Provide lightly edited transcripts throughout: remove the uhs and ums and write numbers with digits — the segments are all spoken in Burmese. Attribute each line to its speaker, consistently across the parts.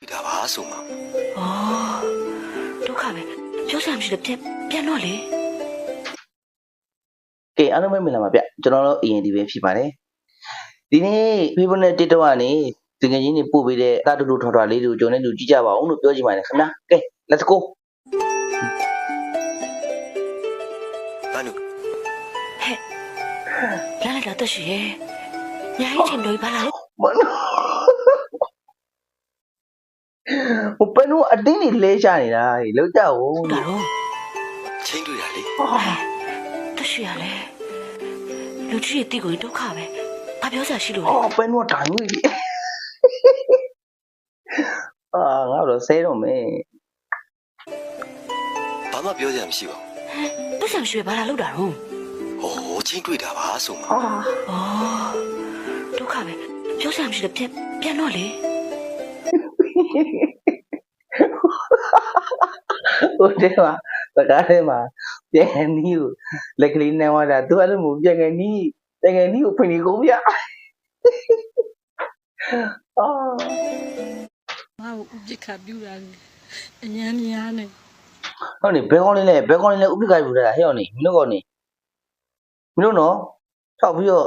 Speaker 1: ဒါပါဆိုမှာ
Speaker 2: ဒုက္ခပဲပြောစရာမရှိလို့ပြန်တော့လေ
Speaker 3: ကဲအားလုံးပဲမင်္ဂလာပါဗျကျွန်တော်တို့ END ပဲဖြစ်ပါတယ်ဒီနေ့ Facebook နဲ့ TikTok ကနေတကယ်ချင်းနေပို့ပေးတဲ့အတူတူထော်ထော်လေးတွေကိုကျွန်တော်တို့ကြည့်ကြပါအောင်လို့ပြောချင်ပါတယ်ခင်ဗျာကဲ let's go
Speaker 1: ဘာလို့
Speaker 2: ဟဲ့လာလာတော့ရှိရဲ့ညာကြီးချင်းတို့ဘာလာလို့
Speaker 3: မနဟိုပန်းတို့အတင်းနေလဲချနေတာလောက်ကြဦး
Speaker 2: ဒါတော့
Speaker 1: ချင်းတွေ့တာလေ
Speaker 2: တော့ရှိရလေလူကြီးရဲ့တိကိုဒုက္ခပဲဘာပြောစရာရှိလို့လဲ
Speaker 3: အော်ပန်းတို့တိုင်ဝေးပြီငါတို့ဆဲတော့မယ်
Speaker 1: ဘာမှပြောစရာမရှိပါ
Speaker 2: ပတ်စံရှိဘာလာလို့တာတော့
Speaker 1: ဘူးချင်းတွေ့တာပါဆိုမှာ
Speaker 2: ဒုက္ခပဲပြောစရာမရှိလို့ပြန်တော့လေ
Speaker 3: ဟိုတဲမှာစကားထဲမှာပြန်နီးကိုလက်ကလေးနဲ့ဝါတာသူအဲ့လိုမျိုးပြန်ငယ်နီးကိုဖိနေကုန်ဗျ
Speaker 4: ငါ့ကိုဥပ္ပခါပြူတာလေအញ្ញမ်းများနေ
Speaker 3: ဟုတ်နေဘဲကောင်းလေးနဲ့ဥပ္ပခါယူတာဟဲ့အောင်နေမင်းတို့ကောနေမင်းတို့နော်ထောက်ပြီးတော့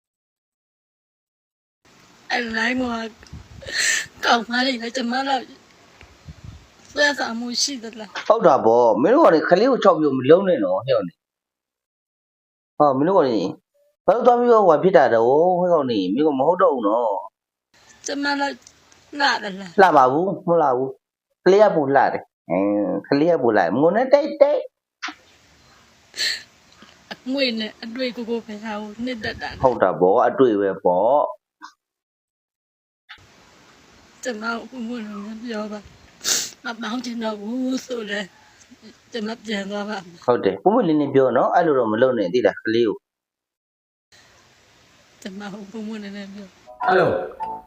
Speaker 4: အဲ့လိုင်းကကောင်းမလေးလည်းကျမတို့ဆွဲဆောင်မှုရှိသလား
Speaker 3: ဟုတ်တာဗောမင်းတို့ကောနေခလေးကိုချောက်ပြီးမလုံးနဲ့နော်ဟဲ့အောင်နေမင်းတို့ကောနေဘာလို့သွားပြီးတော့ဟိုဖြစ်တာတော့ဟဲ့ကောနေမင်းကမဟုတ်တော့ဘူးနော်
Speaker 4: ကျမတို့လာတယ်လား
Speaker 3: လှပါဘူးမလှဘူးကလေးကပူလှတယ်ကလေးကပူလှငုံနဲ့တိတ်
Speaker 4: အငွေနဲ့အတွေ့ကိုပဲဟာကိုနှစ်တက်တာ
Speaker 3: ဟုတ်တာဗောအတွေ့ပဲဗော
Speaker 4: ကျမကိုဘုံလုံးပြောပါမပေါင်းချင်တော့ဘူးဆိုတယ်ကျမပြန်သွားပါ
Speaker 3: ဟုတ်တယ်ပုံမလင်းနေပြောနော်အဲ့လိုတော့မလုပ်နဲ့သိလားကလေးကို
Speaker 4: ကျမကိုဘုံနဲ့ပြော
Speaker 5: အဲ့လို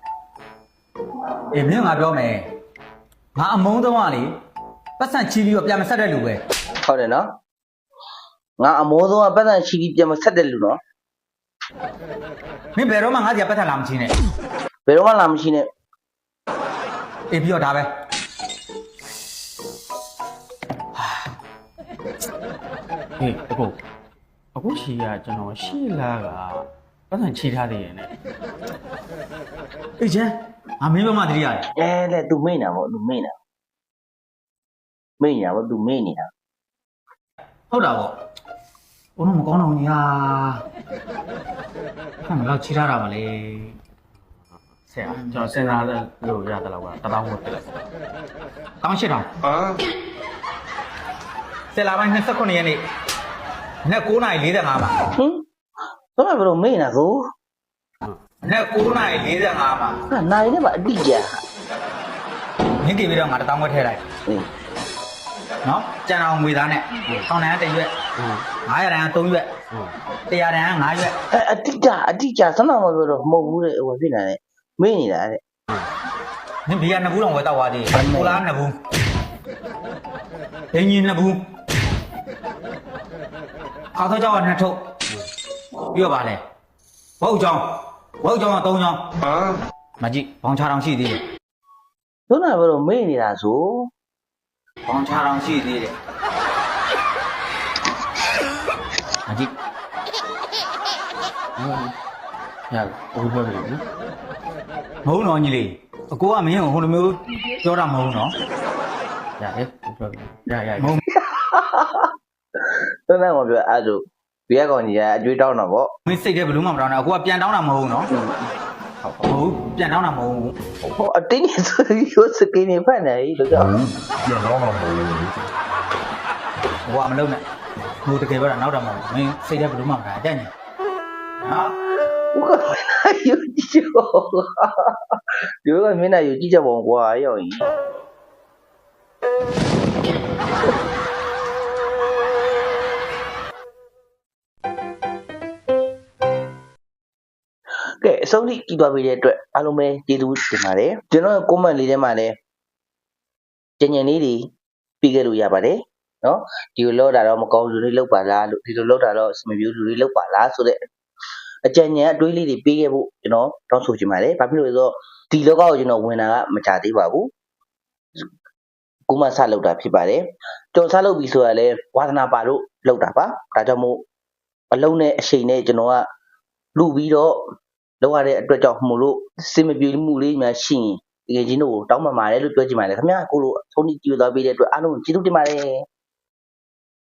Speaker 5: အေးမင်းငါပြောမယ်ငါအမုန်းတော့ကလေပတ်စံချီပြီးတော့ပြန်မဆက်တဲ့လူပဲ
Speaker 3: ဟုတ်တယ်နော်ငါအမိုးဆုံးကပတ်စံချီပြီးပြန်မဆက်တဲ့လူနော်
Speaker 5: မင်းဘယ်တော့မှငါ့စီကပတ်ထလာမချင်းနဲ့
Speaker 3: ဘယ်တော့မှလာမရှိနဲ့
Speaker 5: အေးပြီးတော့ဒါပဲဟေးအခုရှိရကျွန်တော်ရှိလာကပတ်စံချီထားသေးရဲ့နဲ့အေးချမ်းငါမင်းဘက်မှတတိရတယ်
Speaker 3: လေ तू မိတ်နေတာဗော तू မိတ်နေတာဗော तू မိတ်နေတာ
Speaker 5: ဟုတ်တာပေါ့ဘုံတော့မကောင်းတော့ညာဟမ်တော့ချီထားတာပါလေဆရာကျွန်တော်စဉ်းစားလို့ရတယ်လောက်ကတပေါင်းဝတ်ပြလိုက်တောင်းရှစ်တောင်းဆယ်လာပိုင်း29ရက်နေ့နေ့9:45ပါ
Speaker 3: တော့ဘယ်လိုမိတ်နေတာကို
Speaker 5: နေ့9:45ပါ
Speaker 3: ဟာနိုင်နေပါအတိကျ
Speaker 5: မြင့်ကြည့်ပြီးတော့ငါတပေါင်းဝတ်ထည့်လိုက်နော်ကြံအောင်ငွေသားနဲ့ထောင်တန်း1ရွက်900တန်း3ရွက်100တန်း5ရွက်
Speaker 3: အတိကျစမ်းတော့မပြောတော့မဟုတ်ဘူးတဲ့ဟိုဖြစ်နေတယ်မိတ်နေတာတဲ့
Speaker 5: နင်ဘီက2ဘူးတောင်ဝယ်တော့သွားသေးကိုလား2ဘူးဒင်းကြီး2ဘူးအောက်တော့ကြောက်2ထုတ်ပြီးတော့ပါလေဘုတ်ကြောင်က3ကြောင်းမကြည့်ဘောင်ချတောင်ရှိသေးတယ်
Speaker 3: တော့ဘယ်လိုမိတ်နေတာဆို
Speaker 5: ဘောင်ချတောင်ရှိသေးတယ်မကြည့်ရအခုပြောပြီနော်မဟုတ်တော့ညီလေးအကိုကမင်းကိုဟိုလိုမျိုးပြောတာမဟုတ်နော်ရတယ်ပြောပြီရမဟုတ်
Speaker 3: တော့မပြောအဲ့ဒါဘီကကောင်ကြီးကအကျွေးတောင်းတာဗော
Speaker 5: မင်းစိတ်ထဲဘယ်လို့မှမတောင်းနဲ့အကိုကပြန်တောင်းတာမဟုတ်နော်ဟုတ်ပြန်တောင်းတာမဟုတ်
Speaker 3: ဟိုအတင်းနေဆိုရိုးစကင်းနေဖက်နေလို့ကြောက်
Speaker 5: ပြန်တောင်းတာမဟုတ်ဟိုကမလုံးနဲ့ဟိုတကယ်ပြောတာနောက်တာမဟုတ်မင်းစိတ်ထဲဘယ်လို့မှမတာတဲ့ညဟာ
Speaker 3: 我靠，有记者报有个闽南有记者报过要赢。ကဲအဆုံးထိကြည့်သွားပြီတဲ့အတွက်အားလုံးပဲကျေးဇူးတင်ပါတယ်ကျွန်တော် comment လေးထဲမှာလည်းကြင်ကြင်လေးတွေပြီးခဲ့လို့ရပါတယ်နော်ဒီလိုလောက်တာတော့မကောင်းလူတွေလောက်ပါလားလို့ဒီလိုလောက်တာတော့မမျိုးလူတွေလောက်ပါလားဆိုတဲ့အကြံဉာဏ်အတွေးလေးတွေပေးခဲ့ဖို့ကျွန်တော်တောင်းဆိုချင်ပါတယ်ဘာဖြစ်လို့လဲဆိုတော့ဒီလောကကိုကျွန်တော်ဝင်တာကမကြသေးပါဘူးကိုမဆလုပ်တာဖြစ်ပါတယ်ကျွန်တော်ဆလုပ်ပြီဆိုရလဲဝါသနာပါလို့လုပ်တာပါဒါကြောင့်မို့အလုံးနဲ့အချိန်နဲ့ကျွန်တော်ကလူပြီးတော့လောက်ရတဲ့အတွက်ကြောင့်မို့လို့စင်မပြေမှုလေးများရှိရင်တကယ်ချင်းတို့တောင်းပန်ပါတယ်လို့ပြောချင်ပါတယ်ခင်ဗျာကိုလိုဆုံးဖြတ်ကြည့်သွားပေးတဲ့အတွက်အားလုံးကျေးဇူးတင်ပါတယ်